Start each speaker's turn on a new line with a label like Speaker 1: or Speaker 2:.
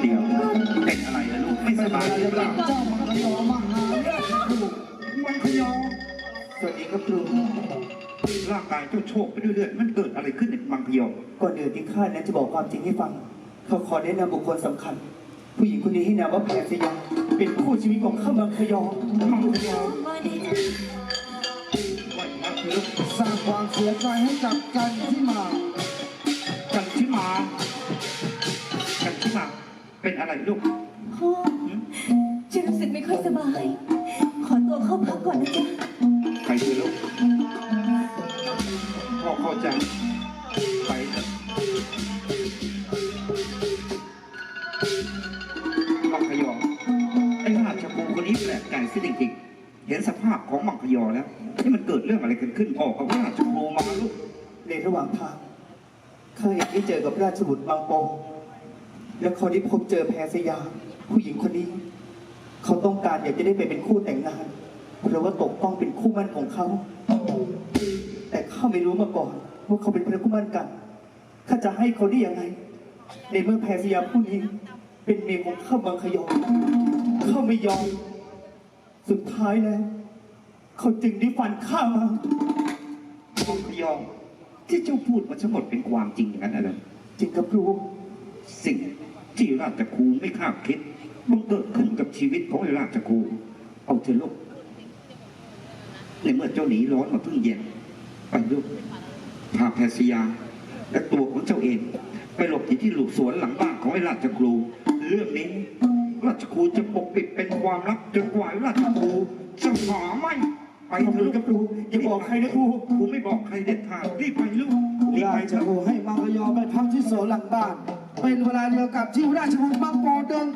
Speaker 1: เดี๋ยวเป็นอะไรล่ะลูกไม่สบายหรือเปล่า
Speaker 2: เจ้ามังคยอมาหาราชครูมังคยอ
Speaker 1: สวัสดีครับครูร่างกายเจ้าโชคไปเรื่อยๆมันเกิดอะไรขึ้นในมังคยอ
Speaker 3: ก่อนอื่นที่ข้านั้นจะบอกความจริงให้ฟังเขาขอแนะนำบุคคลสำคัญ ผู้หญิงคนนี้ให้นามว่าแพรสยามเป็นคู่ชีวิตของข้ามังคยอมังคยอ
Speaker 1: ว่ามาคือ
Speaker 2: สร้างความเสียใจให้กับกันที่มา
Speaker 1: กันที่มาเป็นอะไรลูก
Speaker 4: พ่อฉันรู้สึกไม่ค่อยสบาย ขอตัวเข้าพักก่อนนะจ๊ะ
Speaker 1: ใครคือลูกพ่อเข้าใจไปเถอะมังคยอไอ้ราชบุตรคนนี้แปลกใจซะจริงๆเห็นสภาพของมังคยอแล้วที่มันเกิดเรื่องอะไรกันขึ้นออกกับราชบุตรมาลูก
Speaker 3: ในระหว่างทางข้าเองได้เจอกับราชบุตรบางปอและเขาได้พบเจอแพรสยามผู้หญิงคนนี้ เขาต้องการอยากจะได้ไปเป็นคู่แต่งงานเพราะว่าตกต้องเป็นคู่มั่นของเขาแต่ข้าไม่รู้มาก่อนว่าเขาเป็นพระคู่มั่นกันข้าจะให้เขาได้ยังไงในเมื่อแพรสยามผู้นี้เป็นเมียของข้ามังคยอข้าไม่ยอมสุดท้ายแล้วเขาจึงได้ฟันข้ามา
Speaker 1: มังคยอที่เจ้าพูดมาทั้งหมดเป็นความจริงอย่างนั้นอะไร
Speaker 3: จริงกับครู
Speaker 1: สิ่งที่ราชครูไม่คาดคิดมันเกิดขึ้นกับชีวิตของไอ้ราชครูเอาเถอะลูกในเมื่อเจ้าหนีร้อนมาเพิ่งเย็นไปลูกพาแพรสยาและตัวของเจ้าเองไปหลบอยู่ที่หลุมสวนหลังบ้านของไอ้ราชครูเรื่องนี้ราชครูจะปกปิดเป็นความลับจนกว่าไอ้ราชครูจะหาไม่ไปเถอะลูกกับครูอย่าบอกใครนะครูครูไม่บอกใครเด็ดขาดรีบไปลูกรีบ
Speaker 2: รา
Speaker 1: ไป
Speaker 2: ช
Speaker 1: เถอะ
Speaker 2: ครูให้มังคยอไปพักที่สวนหลังบ้านเป็นเวลาเดียวกับที่ราชบุตรบางปอเดิน